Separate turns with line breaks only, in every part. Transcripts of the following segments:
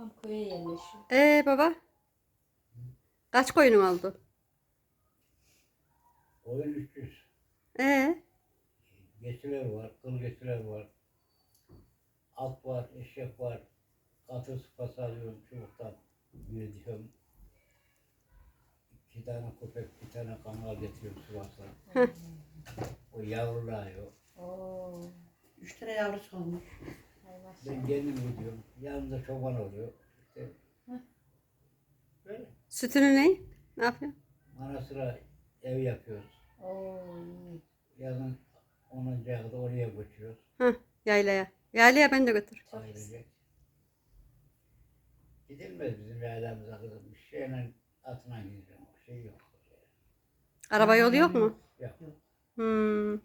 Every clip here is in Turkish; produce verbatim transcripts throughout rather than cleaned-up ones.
Babam köye yerleşiyor.
Ee baba, kaç koyunun oldu?
Oyun üç yüz.
Ee,
Geçiler var, kıl geçiler var. At var, eşek var. Katır sıpası alıyorum çubuktan. Büyütüyorum. İki tane köpek, bir tane kangal getiriyorum Sivas'tan. O yavruluyor.
Oo.
Üç tane yavrusu olmuş.
Hay maşallah.
Ben kendim gidiyorum. Yanımda çoban oluyor. İşte böyle.
sütünü ne? Ne yapıyor?
Ara sıra ev yapıyoruz.
Oo iyi.
Yazın onuncu ayda oraya göçüyoruz.
Hah, yaylaya. Yaylaya beni de götür.
Çok
Ailecek. Gidilmez bizim yaylamıza kızım. Bir şeyle atına gideceğim. O şey yok.
Araba yolu yok mu?
Yok.
Hmm.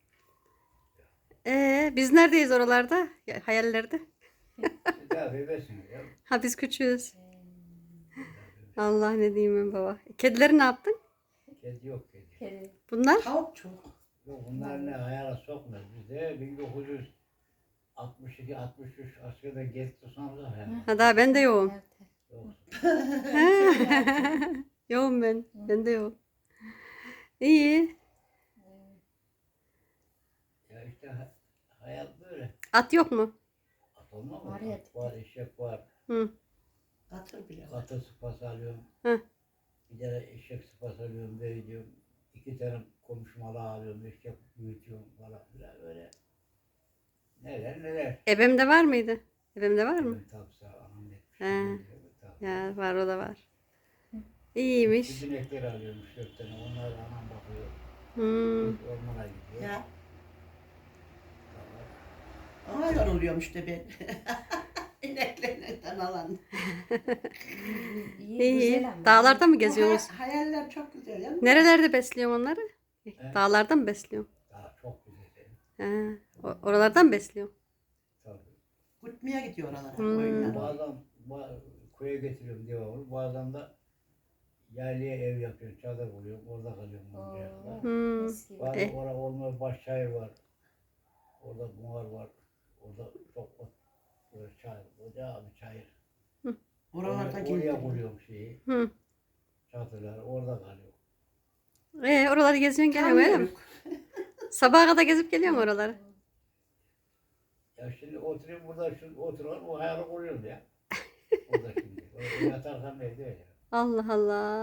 Ee, biz neredeyiz oralarda? Ya, hayallerde.
Siz daha bebesiniz ya.
Ha biz küçüğüz. Allah ne diyeyim ben baba. Kedileri ne yaptın?
Kedi yok kedi.
Kedi.
Bunlar?
Tavuk çok.
Yok bunlar ne hayala sokmaz. Bizde bin dokuz yüz altmış iki altmış üç askerde geçti sonra hayal.
Ha daha ben de yoğum.
Nerede?
Yok.
Yoğum ben. Ben de yoğum. İyi.
Ya işte ha- hayat böyle.
At yok mu?
At olmaz mı?
Var ya.
At var, eşek var.
Hı.
Katır bile var.
Katır sıpası alıyorum.
Hı.
Bir tane eşek sıpası alıyorum, büyütüyorum. İki tane komşumalı alıyorum, eşek büyütüyorum falan filan öyle. Neler neler.
Ebemde var mıydı? Ebemde var mı?
Ben tapsa anam etmiş.
He.
ben de tapsa.
Ya var o da var. İyiymiş.
Bütün ekleri alıyorum üç dört tane. Onlar anam bakıyor.
Hmm.
Ormana gidiyor.
Ya.
Tamam.
Ona yoruluyorum işte ben. İneklerden alan.
İyi,
İyi.
güzel ama.
Dağlarda mı
Bu
geziyorsunuz?
hay- hayaller çok güzel ya.
Nerelerde besliyorsun onları?
He?
Dağlarda mı besliyorsun?
Daha çok güzel.
He. O- oralardan mı besliyorsun?
Tabii.
Gutmaya gidiyor oralara.
Hmm.
Oyunlara.
Bazen ba- köye getiriyorum devamlı. Bazen de yaylaya ev yapıyorum. Çadır kuruyorum. Orada kalıyorum.
Oo.
onca kadar.
Hmm.
Eski.
Bazen
Eh.
orada olmuyor. Başşehir var. Orada buhar var. Orada çok ot. Böyle çayır. Koca bir çayır.
Oralarda
Oraya, oraya
gidiyor.
kuruyorum şeyi.
Hı.
Çadırlar. Orada kalıyor.
Ee, oraları geziyorsun geliyorsun öyle mi?
Tanıyorum.
Sabaha kadar gezip geliyorsun oraları.
Ya şimdi oturuyorum burada. Şu oturuyorum. O hayali kuruyorum ya. Orada şimdi. Orada yatarsam evde öyle.
Allah Allah.